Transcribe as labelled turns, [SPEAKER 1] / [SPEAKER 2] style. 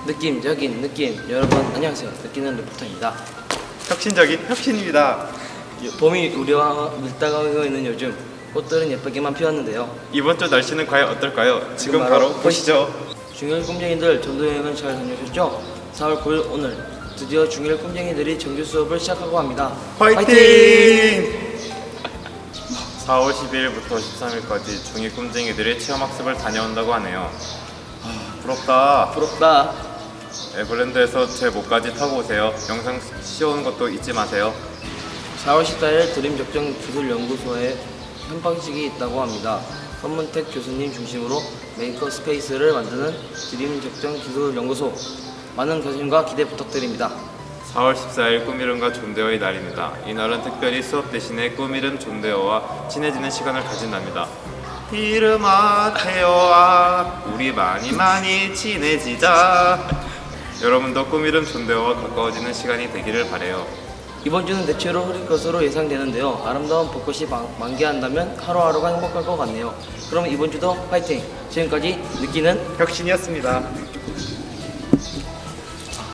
[SPEAKER 1] 느낌적인 느낌. 여러분 안녕하세요. 느끼는 리포터입니다.
[SPEAKER 2] 혁신적인 혁신입니다.
[SPEAKER 1] 봄이 우리와 밀다가오고 있는 요즘 꽃들은 예쁘게만 피었는데요.
[SPEAKER 2] 이번 주 날씨는 과연 어떨까요? 지금 바로 보시죠.
[SPEAKER 1] 중1 꿈쟁이들 전도여행은 잘 다녀오셨죠? 4월 9일 오늘 드디어 중1 꿈쟁이들이 정규 수업을 시작하고 합니다.
[SPEAKER 2] 화이팅! 4월 12일부터 13일까지 중2 꿈쟁이들이 체험학습을 다녀온다고 하네요. 부럽다.
[SPEAKER 1] 부럽다.
[SPEAKER 2] 에버랜드에서 제 목까지 타고 오세요. 영상 씌워오는 것도 잊지 마세요.
[SPEAKER 1] 4월 14일 드림적정기술연구소에 현방식이 있다고 합니다. 선문택 교수님 중심으로 메이커 스페이스를 만드는 드림적정기술연구소, 많은 관심과 기대 부탁드립니다.
[SPEAKER 2] 4월 14일 꿈이름과 존대어의 날입니다. 이날은 특별히 수업 대신에 꿈이름 존대어와 친해지는 시간을 가진답니다. 이름아 태어아 우리 많이 친해지자. 여러분도 꿈이름 존대어와 가까워지는 시간이 되기를 바래요.
[SPEAKER 1] 이번 주는 대체로 흐릴 것으로 예상되는데요. 아름다운 벚꽃이 만개한다면 하루하루가 행복할 것 같네요. 그럼 이번 주도 화이팅! 지금까지 느끼는
[SPEAKER 2] 혁신이었습니다.